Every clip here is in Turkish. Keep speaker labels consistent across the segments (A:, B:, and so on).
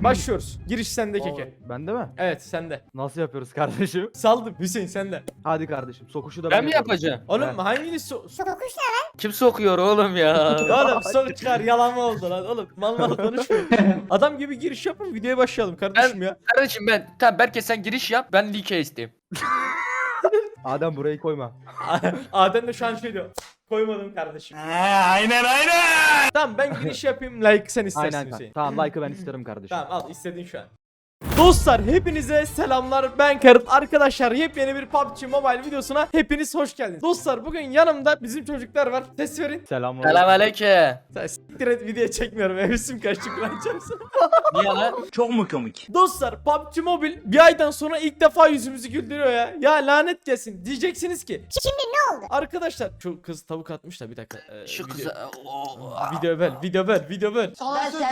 A: Başlıyoruz. Giriş sende Keke.
B: Bende mi?
A: Evet sende.
B: Nasıl yapıyoruz kardeşim?
A: Saldım Hüseyin sende.
B: Hadi kardeşim sokuşu da
C: Ben mi
B: yapıyorum.
C: yapacağım?
A: Oğlum
B: Evet.
A: hanginiz
C: Kim sokuyor oğlum ya?
A: Oğlum sok çıkar yalan mı oldu lan oğlum mal mal konuşmayın. Adam gibi giriş yapın videoya başlayalım kardeşim ya.
C: Kardeşim tamam Berke sen giriş yap ben like isteyeyim.
B: Adem burayı koyma.
A: Adem de şu an şey diyor. Koymadım kardeşim. Aynen. Tamam ben giriş yapayım like sen istersin
B: Aynen.
A: Hüseyin.
B: Tamam like'ı ben isterim kardeşim.
A: Tamam al istedin şu an. Dostlar hepinize selamlar ben Karıt. Arkadaşlar yepyeni bir PUBG Mobile videosuna hepiniz hoş geldiniz. Dostlar bugün yanımda bizim çocuklar var. Ses verin.
B: Selamlar.
C: Selamünaleyküm.
A: Sen siktir et video çekmiyorum. Hevesim kaçtı kullanacağımsın.
C: Niye lan?
D: Çok mu komik?
A: Dostlar PUBG Mobile bir aydan sonra ilk defa yüzümüzü güldürüyor ya. Ya lanet gelsin. Diyeceksiniz ki. Şimdi ne oldu? Arkadaşlar şu kız tavuk atmış da bir dakika.
C: Şu
A: video-
C: kıza...
A: Video böl.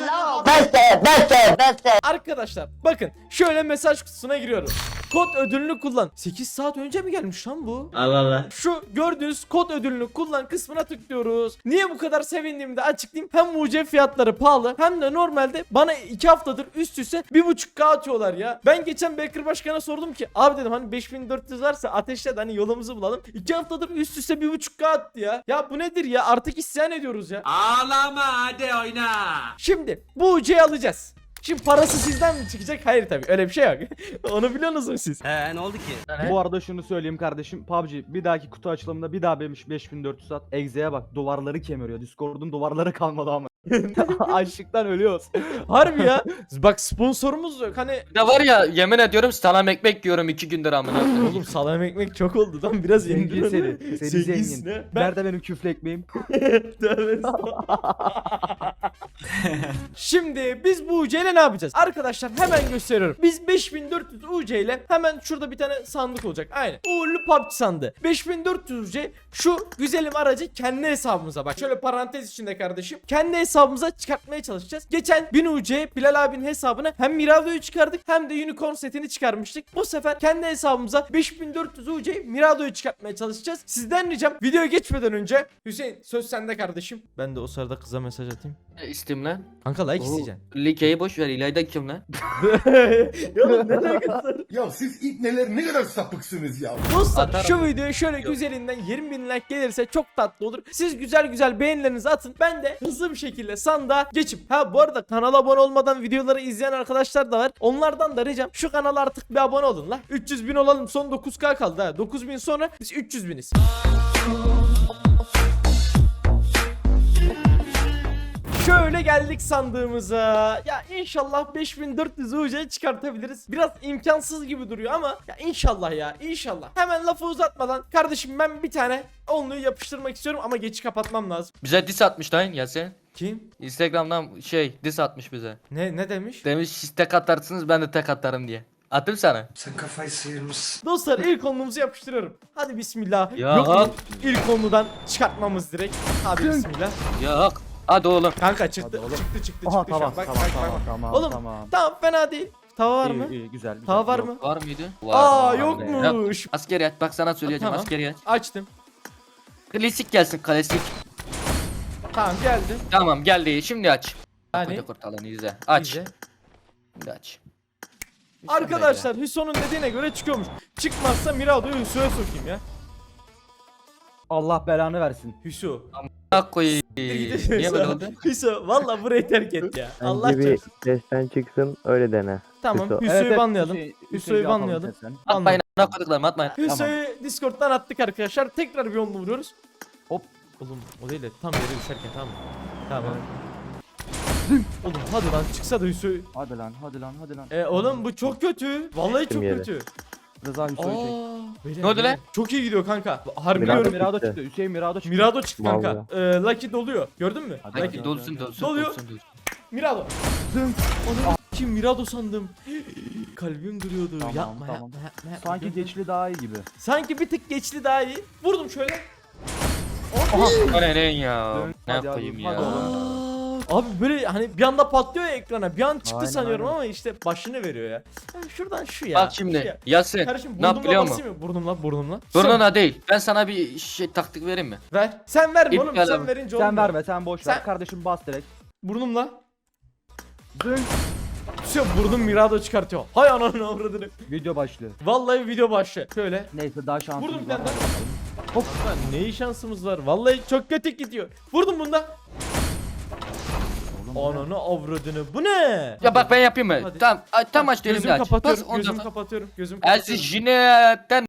A: Arkadaşlar bakın şöyle mesaj kutusuna giriyorum. Kod ödülünü kullan. 8 saat önce mi gelmiş lan bu?
D: Allah Allah.
A: Şu gördüğünüz kod ödülünü kullan kısmına tıklıyoruz. Niye bu kadar sevindiğimi de açıklayayım. Hem mucize fiyatları pahalı hem de normalde bana 2 haftadır üst üste 1.5K atıyorlar ya. Ben geçen Baker Başkan'a sordum ki abi dedim hani 5400 varsa ateşle de hani yolumuzu bulalım. 2 haftadır üst üste 1.5K attı ya. Ya bu nedir ya artık isyan ediyoruz ya.
D: Ağlama hadi oyna.
A: Şimdi bu ucuyu alacağız. Şimdi parası sizden mi çıkacak? Hayır tabii öyle bir şey yok. Onu biliyorsunuz mu siz?
D: Ne oldu ki?
B: Bu arada şunu söyleyeyim kardeşim. PUBG bir dahaki kutu açılımında bir daha 5400 at. Exe'ye bak duvarları kemiriyor. Discord'un duvarları kalmadı ama. Açlıktan ölüyoruz.
A: Harbi ya. Bak sponsorumuz yok. Hani
C: Bir de var ya yemin ediyorum salam ekmek yiyorum 2 gündür amına.
A: oğlum salam ekmek çok oldu lan biraz
B: Zengin
A: yendir
B: seni.
A: onu.
B: Seni
A: Zenginsin
B: zengin.
A: ha. Ben
B: Nerede benim küflü ekmeğim?
A: Tövbe estağfurullah. Şimdi biz bu UC ile ne yapacağız? Arkadaşlar hemen gösteriyorum. Biz 5400 UC ile hemen şurada bir tane sandık olacak. Aynen. Uğurlu PUBG sandığı. 5400 UC şu güzelim aracı kendi hesabımıza bak. Şöyle parantez içinde kardeşim. Kendi hesabımıza çıkartmaya çalışacağız. Geçen 1000 UC Bilal abinin hesabına hem Mirado'yu çıkardık hem de Unicorn setini çıkarmıştık. Bu sefer kendi hesabımıza 5400 UC Mirado'yu çıkartmaya çalışacağız. Sizden ricam videoya geçmeden önce Hüseyin söz sende kardeşim. Ben de o sırada kıza mesaj atayım.
C: İsteyim lan.
A: Kanka like
C: Oo,
A: isteyeceksin.
C: Like'yi boş ver İlayda kim lan?
A: Oğlum ne alakası?
E: Ya siz ipneler ne kadar sapıksınız ya.
A: Dostlar
C: Atarım.
A: şu videoya şöyle güzelinden 20.000 like gelirse çok tatlı olur. Siz güzel güzel beğenilerinizi atın. Ben de hızlı bir şekilde sandığa geçip. Ha bu arada kanala abone olmadan videoları izleyen arkadaşlar da var. Onlardan da ricam şu kanala artık bir abone olun la. 300.000 olalım son 9K kaldı ha. 9.000 sonra biz 300.000'iz. Şöyle geldik sandığımıza. Ya inşallah 5400 UC çıkartabiliriz. Biraz imkansız gibi duruyor ama ya inşallah ya inşallah. Hemen lafı uzatmadan kardeşim ben bir tane onluyu yapıştırmak istiyorum ama geçi kapatmam lazım.
C: Bize diss atmış lan Yasin.
A: Kim?
C: Instagram'dan diss atmış bize.
A: Ne demiş?
C: Demiş siz tek atarsınız ben de tek atarım diye. Attım sana.
D: Sen kafayı sıyırmışsın.
A: Dostlar ilk onluğumuzu yapıştırıyorum. Hadi bismillah.
C: Ya.
A: Yok mu? İlk onludan çıkartmamız direkt. Hadi bismillah.
C: Yok. Hadi oğlum.
A: Kanka çıktı.
B: Hadi oğlum.
A: Çıktı
B: Aha
A: şu an.
B: tamam
A: Bak,
B: tamam
A: bak,
B: tamam
A: bak.
B: tamam
A: Oğlum,
B: tamam.
A: Tamam fena değil. Tava var mı?
B: İyi güzel. güzel.
A: Tava var
B: Yok.
A: mı?
C: Var mıydı?
A: Aa
C: Var.
A: yokmuş.
C: Askeri at bak sana söyleyeceğim
A: Tamam.
C: askeri at.
A: Açtım.
C: Klasik gelsin klasik.
A: Tamam geldi.
C: Tamam geldi şimdi aç.
A: Hani?
C: Koca kurtalanı izle. Aç.
A: İyice.
C: Şimdi aç.
A: Arkadaşlar Hüso'nun dediğine göre çıkıyormuş. Çıkmazsa Mirado'yu Hüso'ya sokayım ya.
B: Allah belanı versin.
A: Hüso.
C: Bak koyayım. Niye böyle oldu?
A: Hüso valla burayı terk et ya. Allah
F: Bence bir
A: çarpsın.
F: sesten çıksın öyle dene.
A: Tamam
F: Hüso.
A: Hüso'yu banlayalım.
B: Hüseyin
A: Hüso'yu
B: bir atalım
A: banlayalım.
B: sesten.
C: Atmayın ana koduklarım atmayın.
A: Hüso'yu Discord'dan attık arkadaşlar. Tekrar bir onlu vuruyoruz.
B: Hop.
A: Oğlum o değil de tam yere düşerken tamam. Tamam. Oğlum hadi lan çıksa da Hüso'yu.
B: Hadi lan hadi lan hadi lan.
A: Oğlum bu çok kötü. Vallahi çok
F: yere.
A: kötü.
B: Rıza Hüso'yu çek.
A: Beyler,
C: Ne oldu
A: beyler.
C: lan?
A: Çok iyi gidiyor kanka. Harbi
F: Mirado
A: diyorum.
B: Mirado
F: çıktı.
B: çıktı. Hüseyin Mirado çıktı.
A: Mirado çıktı kanka.
F: Vallahi.
A: Lucky doluyor. Gördün mü?
B: Hadi.
A: Lucky.
C: Hadi dolsun dolsun
A: Doluyor.
C: dolsun dolsun.
A: Mirado. Onu kim Mirado sandım. Kalbim duruyordu.
B: Tamam,
A: yapma,
B: tamam.
A: yapma yapma yapma.
B: Sanki geçli daha iyi gibi.
A: Sanki bir tık geçli daha iyi. Vurdum şöyle.
C: O ne lan ya?
B: Dön.
C: Ne
B: Hadi
C: yapayım
B: abi,
C: ya?
B: hadi oğlum.
A: Abi böyle hani bir anda patlıyor ya ekrana. Bir an çıktı
B: Aynen,
A: sanıyorum
B: aynen.
A: ama işte başını veriyor ya. Şuradan şu ya.
C: Bak
A: şu
C: şimdi
A: ya.
C: Yasin
A: Kardeşim
C: ne yap biliyor
A: burnumla
C: musun?
A: basayım mı? Burnumla.
C: Burnuna değil. Ben sana bir taktik vereyim mi?
A: Ver. Sen verme
C: İp
A: oğlum.
C: ver
A: Sen
C: abi.
A: verince
B: Sen
A: olmuyor.
B: verme sen boş ver.
A: Sen-
B: Kardeşim bas direkt.
A: Burnumla.
B: Dön.
A: Şey vurdum Mirado çıkartıyor. Hay ananı avradını.
B: Video başlıyor.
A: Vallahi video başlı. Şöyle.
B: Neyse daha şansımız
A: Vurdum bir
B: var.
A: tane daha. Hop lan ne şansımız var. Vallahi çok kötü gidiyor. Vurdum bunda. Ananı avradını. Bu ne?
C: Ya bak ben yapayım mı?
A: Hadi.
C: Tamam. Tam aç dedim
A: Gözümü
C: de aç.
A: kapatıyorum.
C: Bas, ondan
A: Gözümü
C: sonra-
A: kapatıyorum. Gözümü
C: Aziz
A: kapatıyorum.
C: jinetten.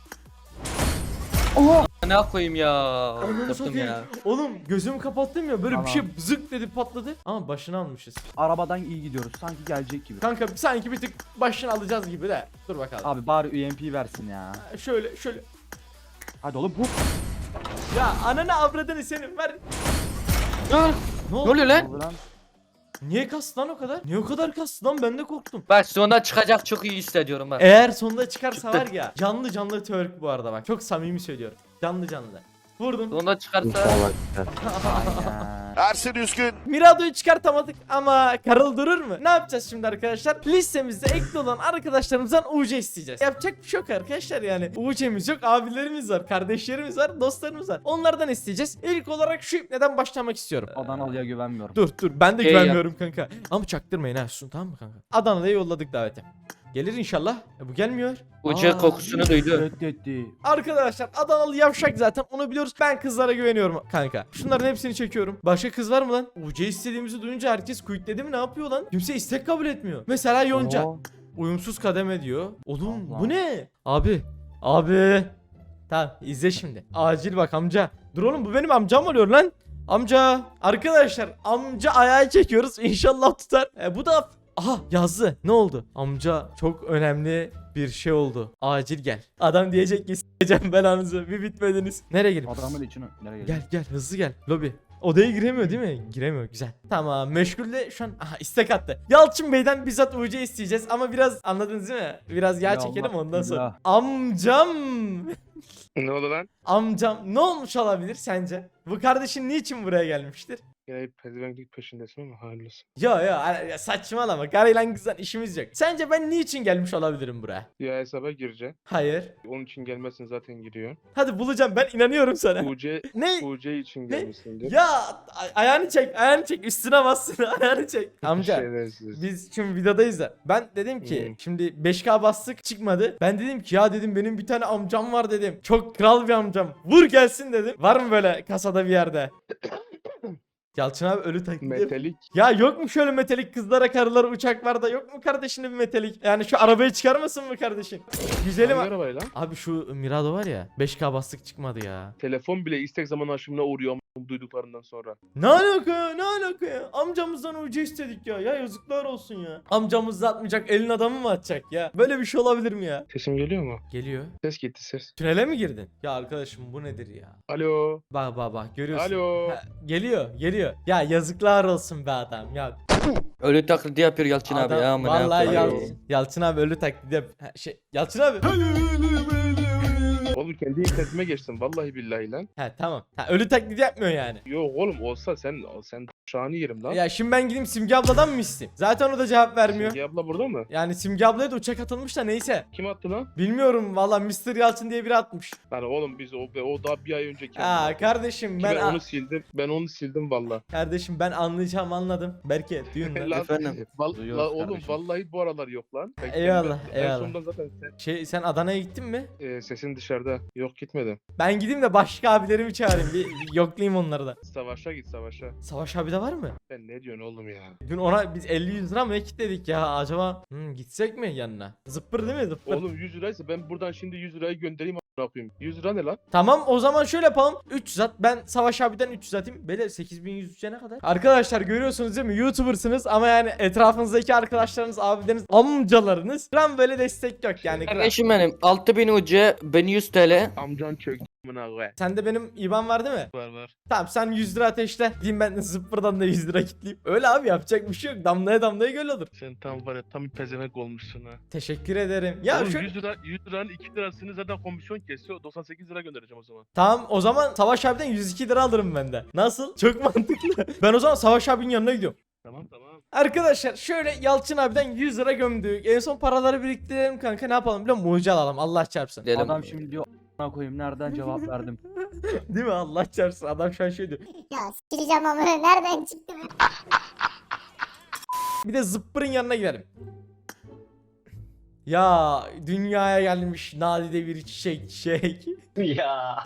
C: Ne koyayım ya?
A: Ananı
C: Yaptım
A: satayım.
C: ya.
A: Oğlum gözümü kapattım ya böyle bir
B: Tamam.
A: şey zık dedi patladı. Ama başını almışız.
B: Arabadan iyi gidiyoruz. Sanki gelecek gibi.
A: Kanka sanki bir tık başını alacağız gibi de. Dur bakalım.
B: Abi bari UMP versin ya.
A: Şöyle.
B: Hadi oğlum hop.
A: Ya ananı avradını senin ver.
C: Dur.
A: Ne
C: Ne
A: oldu?
C: oluyor lan?
B: Oldu lan.
A: Niye kastı lan o kadar? Niye o kadar kastı lan? Ben de korktum.
C: Bak sonunda çıkacak çok iyi hissediyorum bak.
A: Eğer sonunda çıkarsa
C: Çıktı.
A: var ya canlı twerk bu arada bak. Çok samimi söylüyorum. Canlı. Vurdum.
C: Sonunda çıkarsa.
F: İnşallah çıkar.
B: Aynen.
E: Ersin Üskün.
A: Mirado'yu çıkartamadık ama Karıl durur mu? Ne yapacağız şimdi arkadaşlar? Listemizde ekli olan arkadaşlarımızdan UC isteyeceğiz. Yapacak bir şey yok arkadaşlar yani. UC'miz yok, abilerimiz var, kardeşlerimiz var, dostlarımız var. Onlardan isteyeceğiz. İlk olarak şu ipneden başlamak istiyorum.
B: Adanalı'ya güvenmiyorum.
A: Dur ben de
C: Şey
A: güvenmiyorum kanka. Ama çaktırmayın ha Sun, tamam mı kanka? Adana'ya yolladık davete. Gelir inşallah. Bu gelmiyor.
C: Ucu
A: Aa,
C: kokusunu duydu.
B: Reddetti.
A: Arkadaşlar Adanalı yavşak zaten onu biliyoruz. Ben kızlara güveniyorum kanka. Şunların hepsini çekiyorum. Başka kız var mı lan? UC istediğimizi duyunca herkes quitledi mi ne yapıyor lan? Kimse istek kabul etmiyor. Mesela Yonca.
B: Oo.
A: Uyumsuz kademe diyor. Oğlum
B: Allah.
A: bu ne? Abi. Tamam izle şimdi. Acil bak amca. Dur oğlum bu benim amcam oluyor lan. Amca. Arkadaşlar amca ayağı çekiyoruz. İnşallah tutar. Bu da aha yazdı. Ne oldu? Amca çok önemli bir şey oldu. Acil gel. Adam diyecek ki s**eceğim belanızı. Bir bitmediniz. Nereye gelin?
B: Adamın içine nereye geldi?
A: Gel hızlı gel. Lobi. Odaya giremiyor değil mi? Giremiyor. Güzel. Tamam. Meşgulde şu an istek attı. Yalçın Bey'den bizzat UC isteyeceğiz ama biraz anladınız değil mi? Biraz yağ
B: Ya
A: çekelim
B: Allah,
A: ondan sonra.
B: Allah.
A: Amcam.
G: Ne oldu lan?
A: Amcam ne olmuş olabilir sence? Bu kardeşin niçin buraya gelmiştir?
G: Yine pezevenklik peşindesin ama hayırlısı.
A: Ya saçmalama. Karıyla kızla işimiz yok. Sence ben niçin gelmiş olabilirim buraya?
G: Ya hesaba gireceksin.
A: Hayır.
G: Onun için gelmezsin zaten giriyor.
A: Hadi bulacağım ben inanıyorum sana.
G: UC
A: Ne?
G: UC için gelmişsindir.
A: Ya ayağını çek üstüne bassın ayağını çek. Amca
G: Şerefsiz.
A: biz şimdi videodayız da ben dedim ki şimdi 5K bastık çıkmadı. Ben dedim ki ya dedim benim bir tane amcam var dedim. Çok kral bir amcam. Vur gelsin dedim. Var mı böyle kasada bir yerde? Yalçın abi ölü taklidi.
G: Metalik.
A: Ya yok mu şöyle metalik kızlara karılara uçaklarda yok mu kardeşinin bir metalik? Yani şu arabayı çıkarmasın mı kardeşin? Güzelim.
G: Hangi arabayı lan?
A: Abi şu Mirado var ya 5K bastık çıkmadı ya.
G: Telefon bile istek zaman aşımına uğruyor ama duyduklarından sonra.
A: Ne alaka ya? Amcamızdan UC istedik ya. Ya yazıklar olsun ya. Amcamız da atmayacak elin adamı mı atacak ya? Böyle bir şey olabilir mi ya?
G: Sesim geliyor mu?
A: Geliyor.
G: Ses gitti ses.
A: Tünele mi girdin? Ya arkadaşım bu nedir ya?
G: Alo.
A: Bak görüyorsun.
G: Alo.
A: Ha, geliyor. Ya yazıklar olsun be adam ya.
C: Ölü taklidi yapıyor Yalçın abi
A: Adam-
C: ya. Ama ne
A: vallahi
C: yapayım?
A: Yalçın abi ölü taklidi yap. Yalçın abi.
G: Oğlum kendi internetime geçtim vallahi billahi lan.
A: He tamam. Ölü taklidi yapmıyor yani.
G: Yok oğlum olsa sen şahını yerim lan.
A: Ya şimdi ben gideyim Simge abladan mı isteyeyim? Zaten o da cevap vermiyor.
G: Simge abla burada mı?
A: Yani Simge ablaya da uçak atılmış da neyse.
G: Kim attı lan?
A: Bilmiyorum valla Mr. Yalçın diye biri atmış.
G: Lan oğlum biz o daha bir ay önce
A: Aa kardeşim
G: ben
A: ben
G: onu sildim. Ben onu sildim valla.
A: kardeşim ben anlayacağım anladım. Berke düğün lan.
G: Lan,
C: Efendim?
B: Duyuyoruz
G: oğlum
B: kardeşim.
G: vallahi bu aralar yok lan. Ben
A: Eyvallah,
G: En
A: eyvallah.
G: sonunda zaten
A: Sen Adana'ya gittin mi?
G: sesin dışarıda. Yok gitmedim.
A: Ben gideyim de başka abilerimi çağırayım. Bir yoklayayım onları da.
G: Savaşa git savaşa.
A: Savaş abi de var mı?
G: Sen ne diyorsun oğlum ya?
A: Dün ona biz 50-100 lira mı ne kitledik ya acaba? Gitsek mi yanına? Zıppır değil mi zıppır?
G: Oğlum 100 liraysa ben buradan şimdi 100 lirayı göndereyim a**ına koyayım. 100 lira ne lan?
A: Tamam o zaman şöyle yapalım. 300 at. Ben Savaş abiden 300 atayım. Böyle 8103'e ne kadar? Arkadaşlar görüyorsunuz değil mi? YouTuber'sınız ama yani etrafınızdaki arkadaşlarınız, abileriniz, amcalarınız. Gram böyle destek yok yani. gram.
C: Kardeşim benim 6000 UC, ben 100 TL.
G: Amcan çöktü amına koy.
A: Sende benim IBAN var değil mi?
G: Var.
A: Tamam sen 100 lira ateşle. Diyeyim ben de zıppırdan da 100 lira kitleyeyim. Öyle abi yapacak bir şey yok. Damlaya göl olur.
G: Sen tam var ya tam bir pezevenk olmuşsun ha.
A: Teşekkür ederim. Ya
G: Oğlum
A: şu
G: 100 liranın 2 lirasını zaten komisyon kesiyor. 98 lira göndereceğim o zaman.
A: tamam o zaman Savaş abiden 102 lira alırım ben de. Nasıl? Çok mantıklı. Ben o zaman Savaş abinin yanına gidiyorum.
G: Tamam.
A: Arkadaşlar şöyle Yalçın abiden 100 lira gömdük. En son paraları biriktirelim kanka ne yapalım biliyor musun? Mucize alalım Allah çarpsın.
C: Diyelim.
B: Adam şimdi diyor a**ına koyayım nereden cevap verdim.
A: Değil mi Allah çarpsın adam şu an şey diyor.
H: Ya sikeceğim ama nereden çıktı bu?
A: Bir de zıppırın yanına gidelim. Ya dünyaya gelmiş nadide bir çiçek.
H: Ya.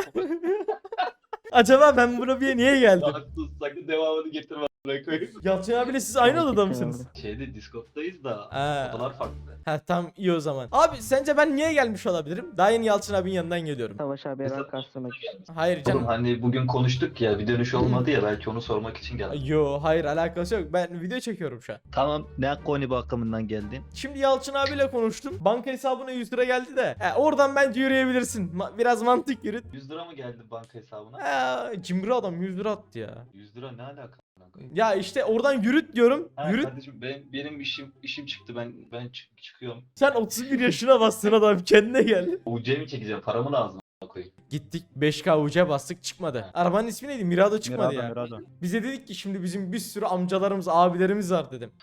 A: Acaba ben buraya niye geldim?
H: Haklısın, sakın devamını getirme. Koyayım.
A: Yalçın abiyle siz aynı odada mısınız?
H: Şeyde Discord'dayız da
A: Ha.
H: odalar farklı.
A: Ha tam iyi o zaman. Abi sence ben niye gelmiş olabilirim? Daha yeni Yalçın abinin yanından geliyorum.
I: Savaş abi
H: Mesela-
I: rank kastırmak için.
A: Hayır
H: Oğlum
A: canım.
H: hani bugün konuştuk ya bir dönüş olmadı ya belki onu sormak için geldim.
A: Yo hayır alakası yok. Ben video çekiyorum şu an.
J: Tamam, ne konu bakımından geldin?
A: Şimdi Yalçın abiyle konuştum. Banka hesabına 100 lira geldi de. Oradan bence yürüyebilirsin. Biraz mantık yürüt.
H: 100 lira mı geldi banka hesabına?
A: Cimri adam 100 lira attı ya.
H: 100 lira ne alaka?
A: Ya işte oradan yürüt diyorum.
H: Ha,
A: Yürüt.
H: kardeşim benim işim çıktı ben çıkıyorum.
A: Sen 31 yaşına bastın adam kendine gel.
H: UC mi çekeceğim paramı lazım koyayım.
A: Gittik 5K uca bastık çıkmadı. Arabanın ismi neydi? Mirado çıkmadı ya.
B: Mirado.
A: Bize dedik ki şimdi bizim bir sürü amcalarımız abilerimiz var dedim.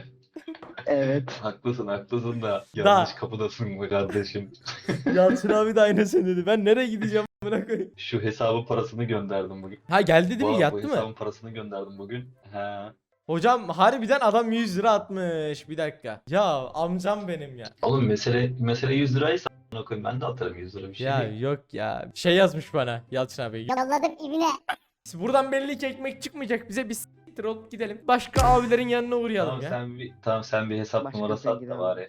I: Evet.
H: Haklısın da yanlış kapıdasın mı kardeşim?
A: Yalçın abi de aynısını dedi. Ben nereye gideceğim amına koyayım.
H: Şu hesabın parasını gönderdim bugün.
A: Ha geldi değil mi?
H: Bu
A: Yattı mı?
H: hesabın parasını gönderdim bugün. He.
A: Hocam harbiden adam 100 lira atmış. Bir dakika. Ya amcam benim ya.
H: Oğlum mesele 100 liraysa a**ına koyayım ben de atarım 100 lira bir şey
A: Ya
H: değil.
A: yok ya. Şey yazmış bana Yalçın abi.
K: Yolladım ibine.
A: Buradan belli ki ekmek çıkmayacak. Bize bir s**tir olup gidelim. Başka abilerin yanına uğrayalım
H: Tamam
A: ya.
H: sen bir hesap
I: Başka
H: numarası
I: bir
H: at da
I: gidelim.
H: bari.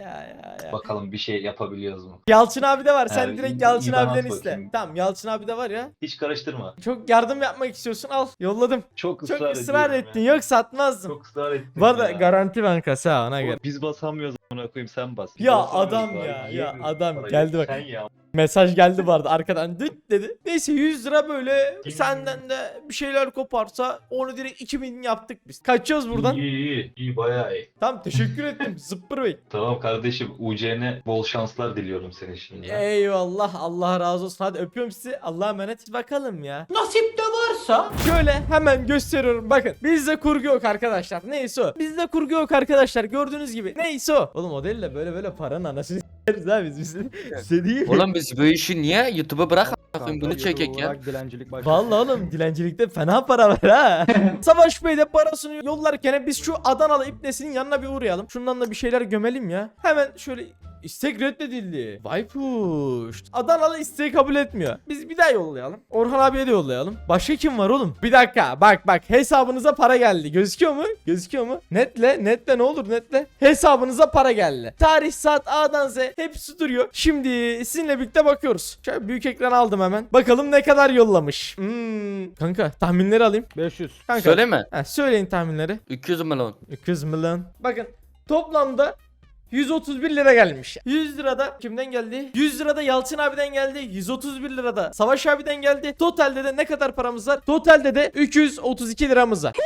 A: Ya.
H: Bakalım bir şey yapabiliyoruz mu?
A: Yalçın abi de var. Sen
H: Ha,
A: direkt
H: iyi-
A: Yalçın
H: iyi bana
A: abiden
H: at
A: iste.
H: bakayım.
A: Tamam Yalçın abi de var ya.
H: Hiç karıştırma.
A: Çok yardım yapmak istiyorsun al. Yolladım.
H: Çok
A: Çok
H: ısrar,
A: ısrar
H: ediyorum
A: ettin.
H: ya.
A: Yok satmazdım.
H: Çok ısrar ettin.
A: Bu arada
H: ya.
A: garanti bankası ha ona göre.
J: Biz basamıyoruz amına koyayım, sen bas.
A: Ya
H: Basamıyoruz
A: adam
H: bari,
A: ya
H: yiyemiyoruz
A: adam
H: parayı.
A: geldi bak.
H: Sen ya.
A: Mesaj geldi bu arada arkadan düt dedi. Neyse 100 lira böyle
H: Kim?
A: senden de bir şeyler koparsa onu direkt 2000 yaptık biz. Kaçıyoruz buradan.
H: İyi bayağı iyi.
A: Tamam teşekkür ettim Zıppır Bey.
H: Tamam kardeşim UC'ne bol şanslar diliyorum senin şimdi.
A: Eyvallah Allah razı olsun. Hadi öpüyorum sizi. Allah'a emanet. Bakalım ya. Nasip de varsa. Şöyle hemen gösteriyorum. Bakın bizde kurgu yok arkadaşlar. Neyse o. Bizde kurgu yok arkadaşlar. Gördüğünüz gibi. Neyse o. Oğlum o değil de böyle paranın anasını s**eriz ha biz. Size değil mi?
C: Oğlum biz bu işi niye YouTube'a bırak a**ayım, bunu çekek ya.
B: Olarak dilencilik başka.
A: Vallahi oğlum dilencilikte fena para var ha. Savaş Bey de parasını yollarken biz şu Adanalı İbnesi'nin yanına bir uğrayalım. Şundan da bir şeyler gömelim ya. Hemen şöyle istek reddedildi. Vay puş. Adanalı isteği kabul etmiyor. Biz bir daha yollayalım. Orhan abiye de yollayalım. Başka kim var oğlum? Bir dakika bak hesabınıza para geldi. Gözüküyor mu? Gözüküyor mu? Netle ne olur netle. Hesabınıza para geldi. Tarih saat A'dan Z hepsi duruyor. Şimdi sizinle birlikte bakıyoruz. Şöyle büyük ekran aldım hemen. Bakalım ne kadar yollamış. Kanka tahminleri alayım.
B: 500.
A: Kanka.
C: Söyleme.
A: Söyleyin tahminleri.
C: 200 milyon.
A: 200 milyon. Bakın toplamda 131 lira gelmiş. 100 lirada kimden geldi? 100 lirada Yalçın abiden geldi. 131 lirada Savaş abiden geldi. Totalde de ne kadar paramız var? Totalde de 332 liramız var.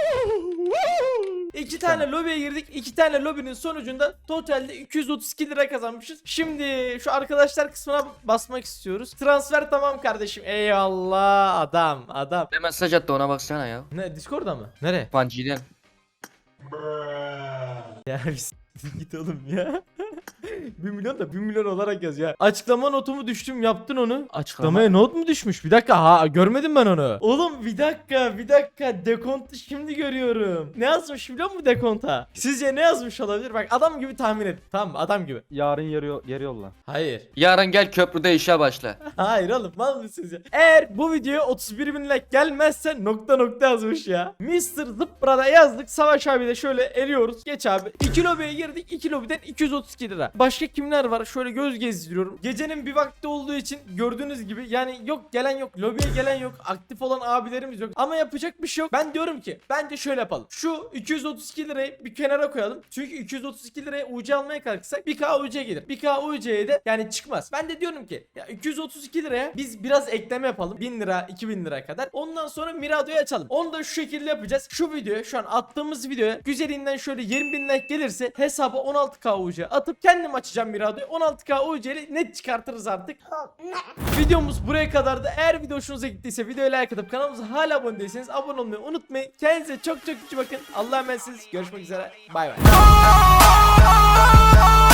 A: 2 tane lobiye girdik. 2 tane lobinin sonucunda totalde 232 lira kazanmışız. Şimdi şu arkadaşlar kısmına basmak istiyoruz. Transfer tamam kardeşim. Eyvallah adam.
C: Ne mesaj attı ona baksana ya.
A: Ne Discord'da mı? Nereye?
C: Panci'den.
A: Ya git oğlum ya. 1 milyon da 1 milyon olarak yaz ya. Açıklama notumu düştüm yaptın onu. Açıklamaya not mu düşmüş? Bir dakika ha görmedim ben onu. Oğlum bir dakika dekontu şimdi görüyorum. Ne yazmış biliyor musun dekonta? Sizce ne yazmış olabilir? Bak adam gibi tahmin et. Tamam adam gibi.
B: Yarın geri yolla.
A: Hayır.
C: Yarın gel köprüde işe başla.
A: Hayır oğlum mal mısınız ya? Eğer bu videoya 31 bin like gelmezse nokta yazmış ya. Mr. Zıppra'da yazdık. Savaş abi de şöyle eriyoruz. Geç abi. 2 lobiye girdik. 2 lobiden 232 lira. Başka kimler var? Şöyle göz gezdiriyorum. Gecenin bir vakti olduğu için gördüğünüz gibi yani yok gelen yok. Lobiye gelen yok. Aktif olan abilerimiz yok. Ama yapacak bir şey yok. Ben diyorum ki bence şöyle yapalım. Şu 232 lirayı bir kenara koyalım. Çünkü 232 liraya UC almaya kalksak 1K UC gelir. 1K UC'ye de yani çıkmaz. Ben de diyorum ki ya 232 liraya biz biraz ekleme yapalım. 1000 lira 2000 lira kadar. Ondan sonra Mirado'yu açalım. Onu da şu şekilde yapacağız. Şu videoya şu an attığımız videoya güzelinden şöyle 20.000 like gelirse hesaba 16K UC atıp kendim açacağım Mirado'yu. 16K UC ile net çıkartırız artık. Videomuz buraya kadardı. Eğer video hoşunuza gittiyse videoya like atıp kanalımıza hala abone değilseniz abone olmayı unutmayın. Kendinize çok iyi bakın. Allah'a emanetsiniz. Görüşmek üzere. Bay bay.